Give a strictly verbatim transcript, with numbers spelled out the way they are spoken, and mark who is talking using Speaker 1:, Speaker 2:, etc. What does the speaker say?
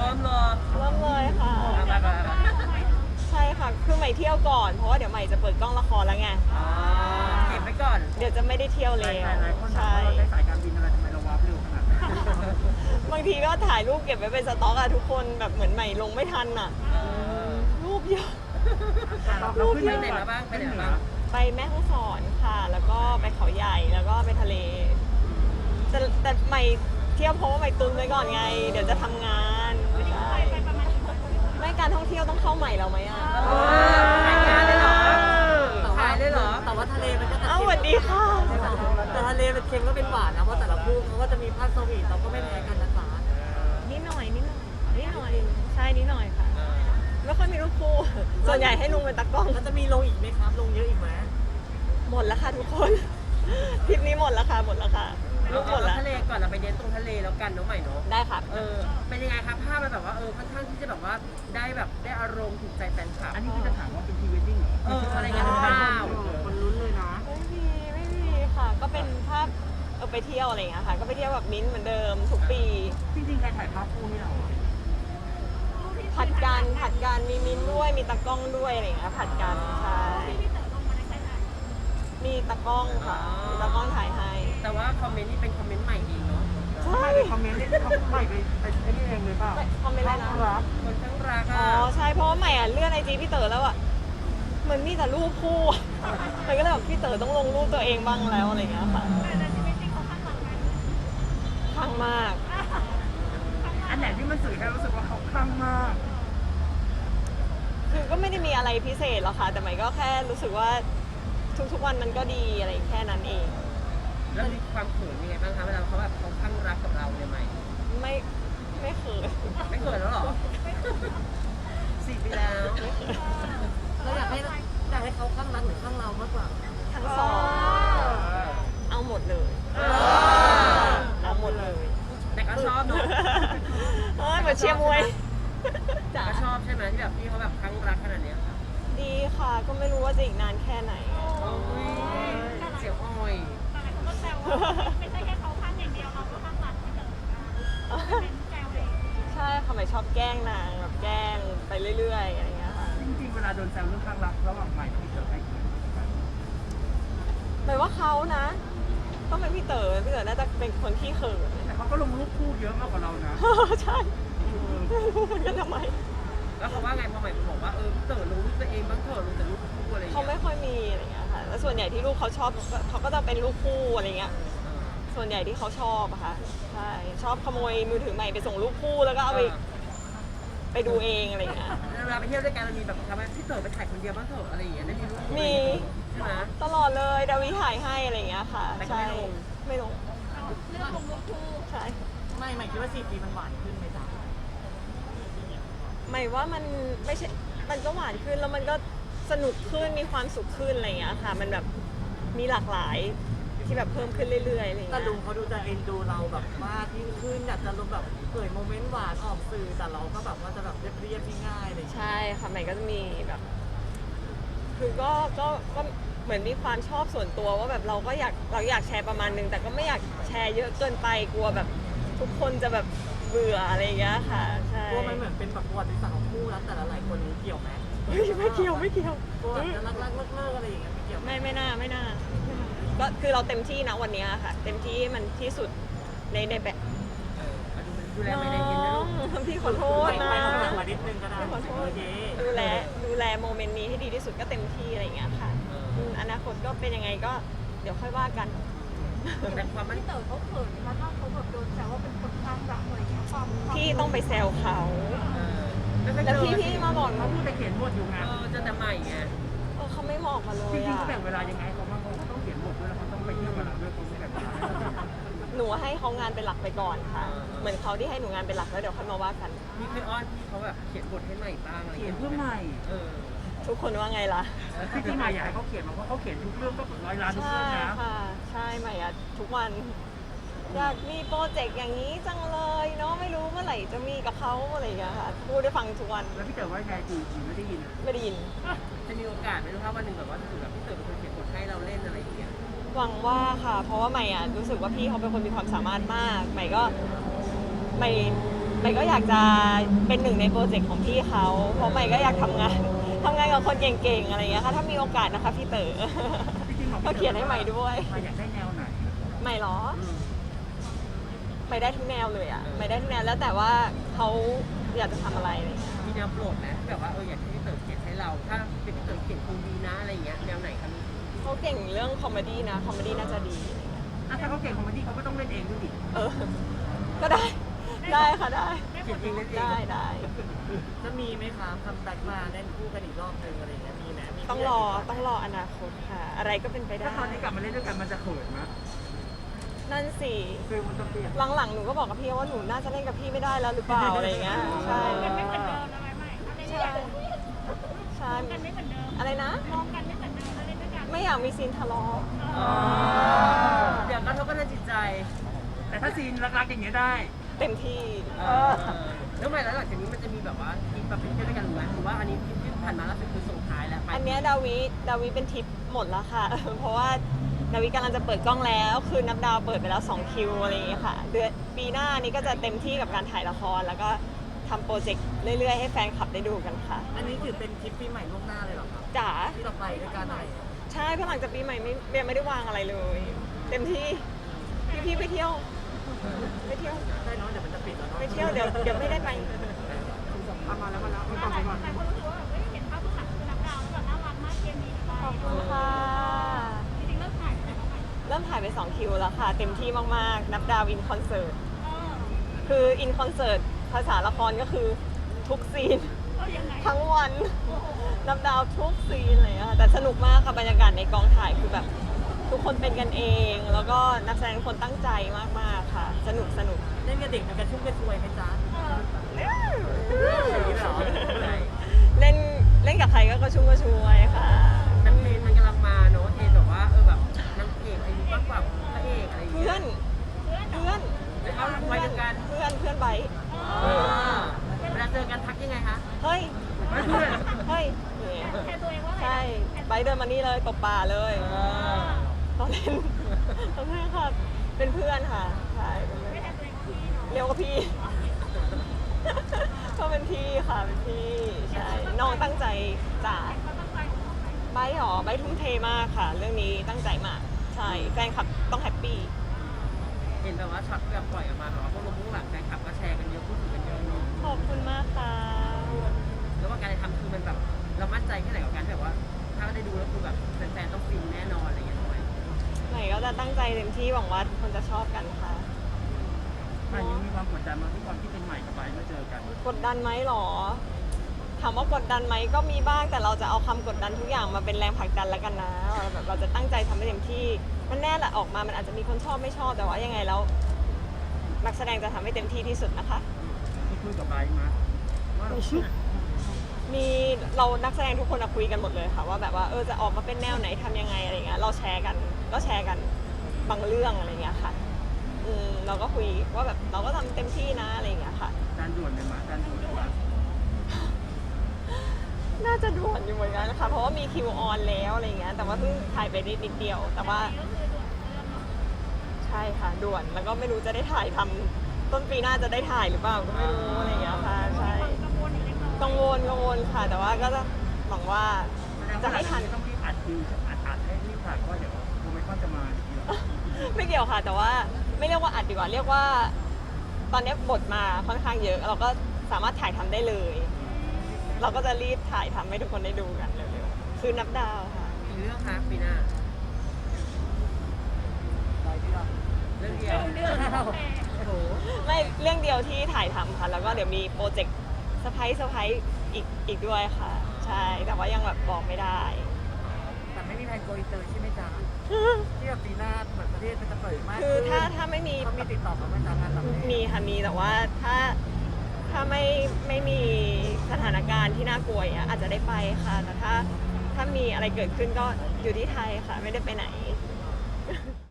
Speaker 1: ริ่มเลย
Speaker 2: เริ่มเลยค่ะ
Speaker 1: ไปไปไป
Speaker 2: ใช่ค่ะคือใหม่เที่ยวก่อนเพราะว่าเดี๋ยวใหม่จะเปิดกล้องละครแล้วไง
Speaker 1: อ๋อเก็บไว้ก่อน
Speaker 2: เดี๋ยวจะไม่ได้เที่ยวแล้ว
Speaker 3: หลายๆคนถาม
Speaker 2: ใช่
Speaker 3: ว่าเราใช้สายการบินอะไรทำไมเราวาร์ปเร็วขนาดนั้น
Speaker 2: บางทีก็ถ่ายรูปเก็บไว้เป็นสต็อกอะทุกคนแบบเหมือนใหม่ลงไม่ทันอะ
Speaker 1: เออ
Speaker 2: รูปเยอะ
Speaker 3: เราขึ้น
Speaker 1: ไป
Speaker 3: เห
Speaker 1: ไหน
Speaker 3: นือ
Speaker 1: มาบ้างไปไหนมา
Speaker 3: เหนื
Speaker 1: บ้าง
Speaker 2: ไปแม่ฮ่องสอนค่ะ แล้วก็ไปเขาใหญ่แล้วก็ไปทะเลแต่แต่ใหม่เที่ยวเพราะว่าใหม่ตุนไว้ก่อนไง เดี๋ยวจะทำงานใช่ไม่การท่องเที่ยวต้องเข้าใหม่แล้วไหมอะ
Speaker 1: ขายงานเลยเหรอขายเลยเหรอ
Speaker 4: แต่ว่าทะเลมันก็จะ
Speaker 2: อ้าวสวัสดีค่ะ
Speaker 4: แต่ทะเลเป็นเค็มก็เป็นหวานนะเพราะแต่ละคู่เขาก็จะมีภาคสวีทเราก็ไม่แพ้กันนะคะ
Speaker 2: นิดหน่อยนิดหน่อยนิดหน่อยใช่นิดหน่อยค่ะไม่ค่อยมีรูปคู่ส่วนใหญ่ให้ลุงเป็นตากล้อง
Speaker 4: แล้วจะมีลงอีกไหมครับ ลงเยอะอีกไหม
Speaker 2: หมดแล้วค่ะทุกคนทริปนี้หมดแล้วค่ะหมดแล้วค่ะรูปหมดแล้ว
Speaker 1: ทะเลก่อนเราไปเน้นตรงทะเลแล้วกันน้องใหม่เนาะ
Speaker 2: ได้ค่ะ
Speaker 1: เออเป็นยังไงครับภาพมันแบบว่าเออค่อนข้างที่จะแบบว่าได้แบบได้อารมณ์ถูกใจแฟนคลับ
Speaker 3: อันนี้คือจะถามว่าเป็นพรีเวดดิ้งเหรอ
Speaker 1: เอออะไรเงี้ยหรือเปล่า
Speaker 4: คนลุ้นเลยนะ
Speaker 2: ไม่มีไม่มีค่ะ ก็เป็นภาพเออไปเที่ยวอะไรอย่างเงี้ยค่ะ ก็ไปเที่ยวแบบมิ้นท์เหมือนเดิมทุกปี
Speaker 3: จริงๆใครถ่ายภาพคู่ให้เราอะ
Speaker 2: ผัดกันผัดกันมีมิ้นท์ด้วยมีตากล้องด้วยอะไรอย่างเงี้ยผัดกันใช่มีตากล้องค่ะมีตากล้องถ่ายให้
Speaker 1: แต่ว่าคอมเมนต์นี่เป็นคอมเมนต์ใหม่เองเนาะ
Speaker 2: ใช่
Speaker 3: ไม่ได้คอมเมนต์นี่เขาไม่ไปไอ้นี่เองเลยเปล่า
Speaker 2: คอมเมนต์อะไรนะ
Speaker 3: รับ
Speaker 1: คนทั้งรัก
Speaker 2: อ๋
Speaker 1: อ่ะ
Speaker 2: อใช่เพราะว่าใหม่อ่ะเลื่อนไอจีพี่เต๋อแล้วอ่ะเหมือนมีแต่รูปคู่อะมันก็เลยแบบพี่เต๋อต้องลงรูปตัวเองบ้างแล้วอะไรอย่างเงี้ยค่ะคลั่งมาก
Speaker 3: อันไหนที่มันสื่อให้รู้สึกว่าเขาคลั่งมาก
Speaker 2: คือก็ไม่ได้มีอะไรพิเศษหรอกค่ะ แต่ใหม่ก็แค่รู้สึกว่าทุกๆวันมันก็ดีอะไรแค่นั้นเอง
Speaker 1: แล้วมีความเขินยังไงบ้างคะเวลาเขาแบบเขาข้างรักกับเราเนี่ยใหม่
Speaker 2: ไม่ไม่เขิน
Speaker 1: ไม่เขินแล้วเหรอสี่ปีแล้ว
Speaker 4: เราอยากให้อยากให้เขาข้างรักหรือข้างเรามากกว่า
Speaker 2: ทั้งสองเอาหมดเลยเอาหมดเลย
Speaker 1: แต่ก็ชอบเนาะ
Speaker 2: เอ้ยเหมือนเชียร์มวย
Speaker 1: แต่
Speaker 2: จ้ะ
Speaker 1: ก็ชอบใช่ไหมที่แบบพี่เขาแบบข้างรักขนาดเนี้ยค่ะ
Speaker 2: ดีค่ะ ก็ไม่รู้ว่าจะอีกนานแค่ไหน
Speaker 1: โอ้ยเสียวอ้อย
Speaker 5: ไม่ใช่แค่เขาข้างอย่างเดียวเราก็ข้างหลังไม่เจอเป็นแซวเลย
Speaker 2: ใช่ค่ะใหม่ชอบแกล้งนางแบบแกล้งไปเรื่อยๆอะไรอย่างเงี้ยค่ะ
Speaker 3: จริงๆเวลาโดนแซวเรื่องคลั่งรักระหว่างใหม่กับพี่เต๋อใครเขินกว่ากัน
Speaker 2: หมายว่าเขานะต้องเป็นพี่เต๋อพี่เต๋อน่าจะเป็นคนที่เขิน
Speaker 3: แต่เขาก็ลงรูปคู่เยอะมากกว่าเรานะ
Speaker 2: ใช่ไม่รู้เหมือนกันทำไม
Speaker 1: แล้วเขาว่าไงพอใหม่บอกว่าเออเต๋อรู้ตัวเองบ้างเถอะรู้แต่รูปคู่อะไรอย่าง
Speaker 2: เขา
Speaker 1: เงี้ย
Speaker 2: ไม่ค่อยมีอะไรอย่างเงี้ยค่ะแล้วส่วนใหญ่ที่ลูกเขาชอบเขาก็จะเป็นลูกคู่อะไรเงี้ยส่วนใหญ่ที่เขาชอบอะค่ะใช่ชอบขโมยมือถือใหม่ไปส่งลูกคู่แล้วก็เอาไปไปดูเองอะไรเงี้ย
Speaker 1: เวลาไปเที่ยวด้วยกันเรามีแบบทำไมพี่เต๋อไปถ่ายคนเดียวบ้างเถอะอะไรอย่างเงี้ยได้มีรูปคู่
Speaker 2: มี
Speaker 1: ใช่ไหม
Speaker 2: ตลอดเลยดาวิถ่ายให้อะไรเงี้ยค่ะ
Speaker 1: แต่ก็
Speaker 2: ใช่
Speaker 1: ไม่ลง
Speaker 2: ไม่ลง
Speaker 5: เรื่องลงรูปคู่
Speaker 2: ใช่
Speaker 4: ไม่ไม่คิดว่าสี่ปีมันหวานขึ้นไหมจ๊ะ
Speaker 2: หมายว่ามันไม่ใช่มันก็หวานขึ้นแล้วมันก็สนุกขึ้นมีความสุขขึ้นอะไรเงี้ยค่ะ มันแบบมีหลากหลายที่แบบเพิ่มขึ้นเรื่อยๆอะไรเงี้ย
Speaker 4: แต่ลุงเขาดูจะเอ็นดูเราแบบมากยิ่งขึ้นอยากจะลงแบบเผยโมเมนต์หวานออกสื่อแต่เราก็แบบว่าจะแบบเรียบๆง่ายๆอะไรอย่างเลย
Speaker 2: ใช่ค่ะใหม่ก็จะมีแบบ คือก็ก็ก็เหมือนมีความชอบส่วนตัวว่าแบบเราก็อยากเราอยากแชร์ประมาณนึงแต่ก็ไม่อยากแชร์เยอะเกินไปกลัวแบบทุกคนจะแบบเบื่ออะไรอย่างเงี้ยค่ะใช่
Speaker 4: กลัวมันเหมือนเป็นแบบประวัติศาสตร์ของคู่รักแต่ละหลายคนนี้เกี่ยวไหม
Speaker 2: เฮ้ยไม่เกี่ยวไม่เกี่ยว
Speaker 4: กลัวจะรักรักเลิกเลิกอะไรอย่างเงี้ยไม่เกี่ยวไหม
Speaker 2: ไม่ไม่น่าไม่น่าก็คือเราเต็มที่นะวันเนี้ยค่ะ เต็มที่ให้มันที่สุดในในแบบ
Speaker 1: ดูแล
Speaker 2: น้
Speaker 1: ไม่ได้กินนะลูก
Speaker 2: องพี่ขอโทษนะ
Speaker 4: ไม่ต้องมานิดนึงก็ได้
Speaker 2: พี่ขอโท
Speaker 4: โอ
Speaker 2: ษ
Speaker 4: เค
Speaker 2: ดูแลดูแลโมเมนต์นี้ให้ดีที่สุดก็เต็มที่อะไรอย่างเงี้ยค่ะอืมอนาคตก็เป็นยังไงก็เดี๋ยวค่อยว่ากัน
Speaker 1: แต่ความมั่น
Speaker 5: พี่เต๋อเขาเขินแล้วก็เขาแบบโดนแซวว่าเป็นคนข้างรักอะไรอย่างเงี้ยความ
Speaker 2: พี่ต้องไปแซวเขา
Speaker 1: เออไม่ค่อย
Speaker 2: แล้ว
Speaker 1: เจอ
Speaker 2: พี่พี่มาบอก
Speaker 3: เขา
Speaker 2: ว่า
Speaker 3: พูดแต่เขียนบทอยู่ไง
Speaker 1: เออเจอแต่ใหม่ไง
Speaker 2: เออเขาไม่บอกมาเล
Speaker 3: จ
Speaker 2: ย
Speaker 3: ริงๆ
Speaker 2: อ่ะ
Speaker 3: เขาแบ่งเวลายังไงเขาบ้างเขาต้องเขียนบทด้วยแล้วเขาต้องไปเที่ยวกับเราด้วยเขาไม่แบ่งเวลา
Speaker 2: หนูให้เขางานเป็นหลักไปก่อนค่ะ เหมือนเขาที่ให้หนูงานเป็นหลักแล้วเดี๋ยวค่อยมาว่ากัน
Speaker 1: มีเคยอ้อนพี่เขาแบบเขียนบทให้ใหม่บ้างอะไร
Speaker 3: เขียน
Speaker 1: งี้
Speaker 3: เพื่อใหม่
Speaker 1: เออ
Speaker 2: ทุกคนว่าไงล่ะ
Speaker 3: ที่ที่ใหม่อยากให้เขาเขียนมาเพราะเขาเขียนทุกเรื่องก็ร้อยล้านทุก
Speaker 2: ใช่
Speaker 3: เรื่องนะ
Speaker 2: ค่ะ ใช่ใหม่อะทุกวันอยากมีโปรเจกต์อย่างนี้จังเลยเนาะไม่รู้เมื่อไหร่จะมีกับเขาอะไรอย่างเงี้ยค่ะพูดได้ฟังทุกวัน
Speaker 3: แล้วพี่เต๋อว่าไงกูกูไม่ได้ยิน
Speaker 2: ไม่ได้ยิน
Speaker 1: จะมีโอกาสไหมรู้ครับวันหนึ่งแบบว่าถ้าเกิดแบบพี่เต๋อเป็นคนเขียนบทให้เราเล่นอะไรอย่างเงี้ย
Speaker 2: หวังว่าค่ะ เพราะว่าใหม่อะรู้สึกว่าพี่เขาเป็นคนมีความสามารถมากใหม่ก็ใหม่ใหม่ก็อยากจะเป็นหนึ่งในโปรเจกต์ของพี่เขาเพราะใหม่ก็อยากทำงานทำงานกับคนเก่งๆอะไรอย่างเงี้ยค่ะถ้ามีโอกาสนะคะพี่เต๋อ
Speaker 3: จริงๆบอก
Speaker 2: ก็เขียนให้ใหม่ด้วย
Speaker 3: มาอยากได้แนวไหน
Speaker 2: ใหม่เหรอ
Speaker 1: อืม
Speaker 2: ใหม่ได้ทุกแนวเลยอ่ะใหม่ได้ทุกแนวแล้วแต่ว่าเขาอยากจะทำอะไรอะไรอย่างเงี้ย
Speaker 1: มีแนวโปรดไหมแบบว่าเอออยากให้พี่เต๋อเขียนให้เรา ถ้าเป็นพี่เต๋อเขียนคงดีนะอะไรอย่างเงี้ยแนวไหนคะลูก
Speaker 2: เขาเก่งเรื่องคอมเมดี้นะคอมเมดี้น่าจะดีอะไรเงี้ย
Speaker 3: อ่ะถ้าเขาเก่งคอมเมดี้เขาก็ต้องเล่นเองด้วยดิ
Speaker 2: เออ ก็ได้ได้ค่ะได้
Speaker 1: เขียนเองเล่นเอง
Speaker 2: ได้ได้
Speaker 4: จะมีไหมคะคัมแบ็กมาเล่นคู่กันอีกรอบหนึ่งอะไรอย่างเงี้ยมีไหมมี
Speaker 2: ต้องรอต้องรออนาคตค่ะ อะไรก็เป็นไปได้
Speaker 3: ถ้าตอนนี้กลับมาเล่นด้วยกันมันจะเขินไหม
Speaker 2: นั่นสิ
Speaker 3: ฟิลมันจะเปลี่ยน
Speaker 2: หลังๆหนูก็บอกกับพี่ว่าหนูน่าจะเล่นกับพี่ไม่ได้แล้วหรือเปล่าอะไรเงี้ยใช่
Speaker 5: กันไม่เหมือนเดิมนะไม่ไม่ถ้าเล่นด้วยกัน
Speaker 2: ใช่
Speaker 5: กันไม่เหมือนเดิม
Speaker 2: อะไรนะ
Speaker 5: มองกันไม่เหมือนเดิมถ้าเล่นด้วยกัน
Speaker 2: ไม่อยากมีซีนทะเลาะ
Speaker 1: อ๋อเดี๋ยวกระทบกระเทือนจิตใจ
Speaker 3: แต่ถ้าซีนรักๆอย่างเงี้ยได้
Speaker 2: เต็มที่
Speaker 1: เออแล้วใหม่แล้วหลังจากนี้มันจะมีแบบว่าทริปแบบเป็นเที่ยวด้วยกันหรือไหมหรือว่าอันนี้ที่ผ่านมาล่าสุดคือส่งท้ายแล้วไป
Speaker 2: อันเนี้ยดาวิดาวิเป็นทิปหมดแล้วค่ะ เพราะว่าดาวิกำลังจะเปิดกล้องแล้ว คือนับดาวเปิดไปแล้วสองคิวอะไรอย่างเงี้ยค่ะ เดือนปีหน้านี้ก็จะเต็มที่กับการถ่ายละคร แล้วก็ทำโปรเจกต์เรื่อยๆ ให้แฟนคลับได้ดูกันค่ะ
Speaker 4: อันนี้ถือเป็นทริปปีใหม่ล่วงหน้าเลยเหรอครับ
Speaker 2: จ๋า
Speaker 4: ที่เราไปด้วยกันไหน
Speaker 2: ใช่เพราะหลังจากปีใหม่ไม่เบียร์ไม่ได้วางอะไรเลย เต็มที่พี่พี่ๆไปเที่ยวไปเที่ยว
Speaker 4: ใช่เนาะเดี๋ยวมันจะปิดแล้วเนาะ
Speaker 2: ไปเที่ยวเดี๋ยวเดี๋ยวไม่ได้ไป
Speaker 3: เอามาแล้วมาแล้วไม่
Speaker 5: ห
Speaker 3: ต้องไปก่อน
Speaker 5: ลายคนรู้สึกว่าแบบเฮ้ยเห็นภาพผู้หลักคือนับดาวแล้วแบบน่ารักมากเกมนี้ไป
Speaker 2: ขอบคุณค่ะ
Speaker 5: จริงๆเริ่มถ่ายไปแล้วไหม
Speaker 2: เริ่มถ่ายไปสองคิวแล้วค่ะ เต็มที่มากๆ นับดาวอินคอนเสิร์ต
Speaker 5: เออ
Speaker 2: คืออินคอนเสิร์ตภาษาละครก็คือทุกซีน
Speaker 5: เออยังไง
Speaker 2: ทั้งวันนับดาวทุกซีนเลยอะค่ะแต่สนุกมากค่ะบรรยากาศในกองถ่ายคือแบบทุกคนเป็นกันเอง แล้วก็นักแสดงทุกคนตั้งใจมากๆค่ะ สนุกสนุก
Speaker 4: เล่นกับเด็กมันกระชุ่มกระชวยไหมจ๊ะ
Speaker 5: เออ
Speaker 4: อย่างนี้เหรอ
Speaker 2: เล่นเล่นกับใครก็กระชุ่มกระชวยค่ะ
Speaker 1: มันเทรนมันกำลังมาเนอะเทรนแบบว่าเออแบบนางเอกอายุมากกว่าพระเอกอะไรอย่าง
Speaker 2: เพื่
Speaker 1: เงี้
Speaker 2: อย นเพื่อน
Speaker 1: เอาไว้เดียวกัน
Speaker 2: เพื่อนเพื่อนไบร์ท
Speaker 1: เออเวลาเจอกันทักยังไงคะ
Speaker 2: เฮ้ย
Speaker 3: ไม่เพื่อน
Speaker 2: เฮ้ยอย่างเงี้ย
Speaker 5: แทนตัวเองว่าอะไร
Speaker 2: ใช่ไบร์ทเดินมานี่เลยตบป่าเลย
Speaker 1: เออ
Speaker 2: ตอนเล่นตอนเล่นค่ะเป็นเพื่อนค่ะใช่เป็นเพื่อน
Speaker 5: ไม่แทนตัวเองว่าพี่เนาะ
Speaker 2: เรียกว่าพี่ ก็เป็นพี่ค่ะเป็นพี่ใช่น้องตั้งใจจ่า
Speaker 5: เขาตั้งใจของเขาไหม
Speaker 2: ไบร์ทหรอไบร์ททุ่มเทมากค่ะ เรื่องนี้ตั้งใจมากใช่แฟนคลับต้องแฮปปี้
Speaker 1: เห็นแบบว่าช็อตแบบปล่อยออกมาแบบว่าพวกลงพวกหลังแฟนคลับก็แชร์กันเยอะพูดถึงกันเยอะเนอะ
Speaker 2: ขอบคุณมากค่ะ
Speaker 1: แล้วว่าการทำคือมันแบบเรามั่นใจแค่ไหนกับการที่แบบว่า ถ้าได้ดูแล้วคือแบบแฟนๆต้องฟินแน่นอนอะไรอย่างเงี้ยทำไม
Speaker 2: ไหนก็จะตั้งใจเต็มที่หวังว่าทุกคนจะชอบกันค่ะ
Speaker 3: มันยังมีความกดดันมาทุกความที่เป็นใหม่กับไบร์ทมาเจอกัน
Speaker 2: กดดันไหมหรอ ถามว่ากดดันไหมก็มีบ้างแต่เราจะเอาคำกดดันทุกอย่างมาเป็นแรงผลักดันแล้วกันนะแบบเราจะตั้งใจทำให้เต็มที่มันแน่แหละออกมามันอาจจะมีคนชอบไม่ชอบแต่ว่ายังไงแล้วนักแสดงจะทำให้เต็มที่ที่สุดนะคะ
Speaker 3: มีคุยกับไบร์ทมาว่า
Speaker 2: มีเรานักแสดงทุกคนอะคุยกันหมดเลยค่ะ ว่าแบบว่าเออจะออกมาเป็นแนวไหนทำยังไงอะไรเงี้ยเราแชร์กันก็แชร์กันบางเรื่องอะไรเงี้ยค่ะอืมเราก็คุยว่าแบบเราก็ทำเต็มที่นะอะไรเงี้ยค่ะ
Speaker 3: การด่วนเลยมาการด่วนเลยมา
Speaker 2: น่าจะด่วนอยู่เหมือนกันนะคะเพราะว่ามีคิวออนแล้วอะไรเงี้ยแต่ว่าเพิ่งถ่ายไปนิดนิดเดียว แต่ว่า
Speaker 5: ก็คือด่วนเรื่องเนาะ
Speaker 2: ใช่ค่ะด่วนแล้วก็ไม่รู้จะได้ถ่ายทำต้นปีหน้าจะได้ถ่ายหรือเปล่าก็ไม่รู้อะไรอย่างเงี้ยค่ะใช่
Speaker 5: กังวลอีกเล็กน้อย
Speaker 2: กังวลกังวลค่ะ แต่ว่าก็จะหวังว่า
Speaker 3: แสดง
Speaker 2: จะ
Speaker 3: ว่า
Speaker 2: ให้ทัน
Speaker 3: ต้องรีบอัดคิวอัดอัดให้รีบถ่ายเพราะว่าเดี๋ยวโมเมนต์จะมาอย่างนี้หรอ
Speaker 2: ไม่เกี่ยวค่ะ แต่ว่าไม่เรียกว่าอัดดีกว่า เรียกว่า ตอนนี้บทมาค่อนข้างเยอะ เราก็สามารถถ่ายทำได้เลย เราก็จะรีบถ่ายทำให้ทุกคนได้ดูกันเร็วๆคือนับดาวค่ะ
Speaker 1: อีกเรื่องคะปีหน้า
Speaker 4: ไปที่เรา
Speaker 1: เรื่องเดียว
Speaker 5: เรื่องโอเค
Speaker 1: โอ้โห
Speaker 2: ไม่เรื่องเดียวที่ถ่ายทำค่ะ แล้วก็เดี๋ยวมีโปรเจกต์เซอร์ไพรส์เซอร์ไพรส์อีกอีกด้วยค่ะ ใช่ แต่ว่ายังแบบบอกไม่ได้
Speaker 4: แต่ไม่มีแผนโกอินเตอร์ใช่ไหมจ๊ะที่แบบปีหน้าเหมือนประเทศมันจะเปิดมาก
Speaker 2: คือ
Speaker 4: ขึ้น
Speaker 2: ถ้าถ้าไม่มี
Speaker 4: เขามีติดต่อมาไหมจ๊ะงานแบบนี้
Speaker 2: มีค่ะมีแต่ว่าถ้าถ้าไม่ไม่มีสถานการณ์ที่น่ากลัวอย่างเงี้ยอาจจะได้ไปค่ะ แต่ถ้าถ้ามีอะไรเกิดขึ้นก็อยู่ที่ไทยค่ะ ไม่ได้ไปไหน